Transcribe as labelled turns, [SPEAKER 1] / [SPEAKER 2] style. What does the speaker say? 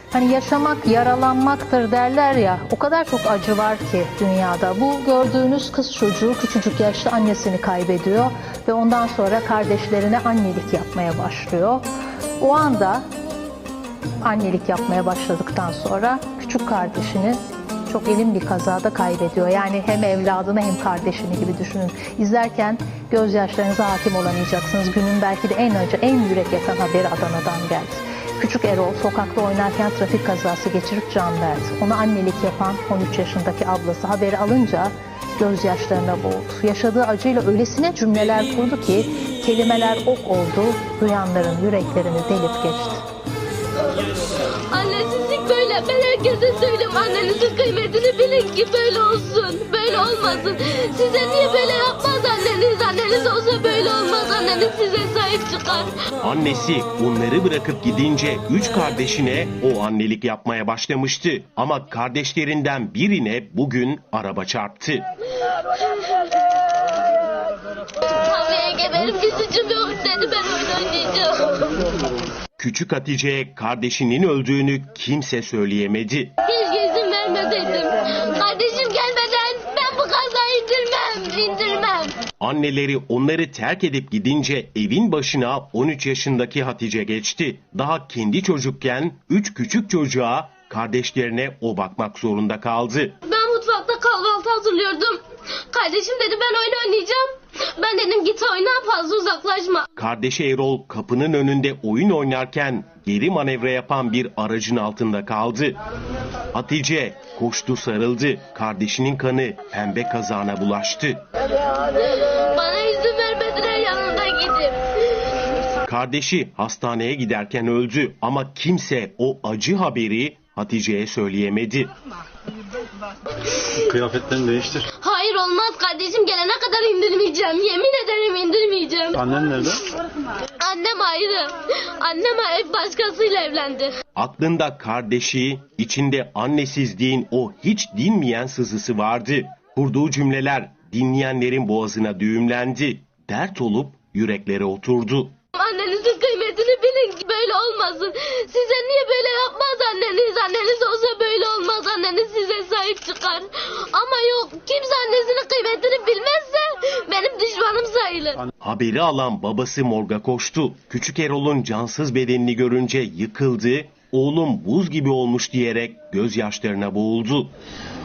[SPEAKER 1] Hani yaşamak yaralanmaktır derler ya, o kadar çok acı var ki dünyada. Bu gördüğünüz kız çocuğu küçücük yaşta annesini kaybediyor ve ondan sonra kardeşlerine annelik yapmaya başlıyor. O anda annelik yapmaya başladıktan sonra küçük kardeşini çok elin bir kazada kaybediyor. Yani hem evladını hem kardeşini gibi düşünün. İzlerken gözyaşlarınıza hakim olamayacaksınız. Günün belki de en acı, en yürek yakan haberi Adana'dan geldi. Küçük Erol sokakta oynarken trafik kazası geçirip can verdi. Ona annelik yapan 13 yaşındaki ablası haberi alınca gözyaşlarına boğuldu. Yaşadığı acıyla öylesine cümleler kurdu ki kelimeler ok oldu, duyanların yüreklerini delip geçti.
[SPEAKER 2] Annesizlik böyle. Ben herkese söylüyorum, annenizin kıymetini bilin ki böyle olsun. Böyle olmasın. Size niye böyle yapmaz anneniz? Anneniz olsa böyle olmaz. Anneniz size sahip çıkar.
[SPEAKER 3] Annesi onları bırakıp gidince 3 kardeşine o annelik yapmaya başlamıştı. Ama kardeşlerinden birine bugün araba çarptı.
[SPEAKER 2] Anneye geberim, bir suçum yok dedi, ben oyun oynayacağım.
[SPEAKER 3] Küçük Hatice'ye kardeşinin öldüğünü kimse söyleyemedi.
[SPEAKER 2] Keşke izin vermeseydim. Kardeşim gelmeden ben bu kazayı indirmem.
[SPEAKER 3] Anneleri onları terk edip gidince evin başına 13 yaşındaki Hatice geçti. Daha kendi çocukken 3 küçük çocuğa, kardeşlerine o bakmak zorunda kaldı.
[SPEAKER 2] Ben mutfakta kahvaltı hazırlıyordum. Kardeşim dedi ben oyun oynayacağım. Ben dedim git oyna, fazla uzaklaşma.
[SPEAKER 3] Kardeşi Erol kapının önünde oyun oynarken geri manevra yapan bir aracın altında kaldı. Hatice koştu, sarıldı. Kardeşinin kanı pembe kazağına bulaştı.
[SPEAKER 2] Bana izin vermediler yanında gidip.
[SPEAKER 3] Kardeşi hastaneye giderken öldü ama kimse o acı haberi Hatice'ye söyleyemedi.
[SPEAKER 4] Kıyafetlerini değiştir.
[SPEAKER 2] Hayır olmaz, kardeşim gelene kadar indirmeyeceğim. Yemin ederim indirmeyeceğim.
[SPEAKER 4] Annen nerede?
[SPEAKER 2] Annem ayrı. Annem başkasıyla evlendi.
[SPEAKER 3] Aklında kardeşi, içinde annesizliğin o hiç dinmeyen sızısı vardı. Kurduğu cümleler dinleyenlerin boğazına düğümlendi. Dert olup yüreklere oturdu.
[SPEAKER 2] Annenizin kıymetini bilin ki böyle olmasın. Size niye böyle yapmaz anneniz? Anneniz olsa böyle olmaz. Anneniz size sahip çıkar. Ama yok, kimse annesinin kıymetini bilmezse benim düşmanım sayılır.
[SPEAKER 3] Haberi alan babası morga koştu. Küçük Erol'un cansız bedenini görünce yıkıldı. Oğlum buz gibi olmuş diyerek gözyaşlarına boğuldu.